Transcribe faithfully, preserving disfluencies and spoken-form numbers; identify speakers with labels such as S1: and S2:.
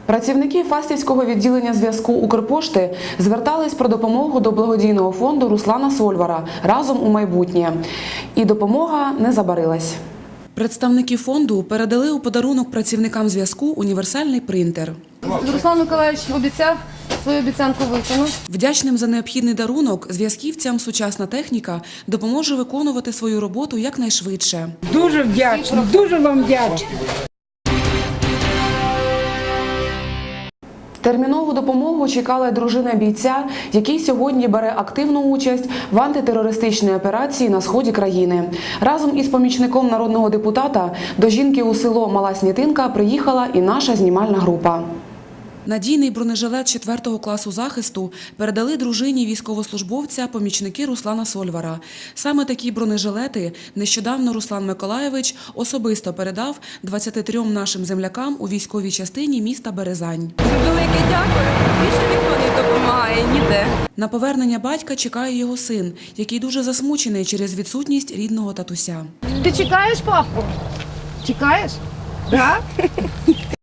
S1: Працівники Фастівського відділення зв'язку Укрпошти звертались про допомогу до благодійного фонду Руслана Сольвара «Разом у майбутнє». І допомога не забарилась. Представники фонду передали у подарунок працівникам зв'язку універсальний принтер.
S2: Руслан Миколаївич обіцяв, свою обіцянку виконав.
S1: Вдячним за необхідний дарунок зв'язківцям сучасна техніка допоможе виконувати свою роботу якнайшвидше.
S3: Дуже вдячна, дуже вам вдячна.
S1: Термінову допомогу чекала дружина бійця, який сьогодні бере активну участь в антитерористичній операції на сході країни. Разом із помічником народного депутата до жінки у село Мала Снітинка приїхала і наша знімальна група. Надійний бронежилет четвертого класу захисту передали дружині військовослужбовця помічники Руслана Сольвара. Саме такі бронежилети нещодавно Руслан Миколаївич особисто передав двадцяти трьом нашим землякам у військовій частині міста Березань.
S4: Велике дякую, більше ніхто не допомагає ніде.
S1: На повернення батька чекає його син, який дуже засмучений через відсутність рідного татуся.
S2: Ти чекаєш папу? Чекаєш? Так?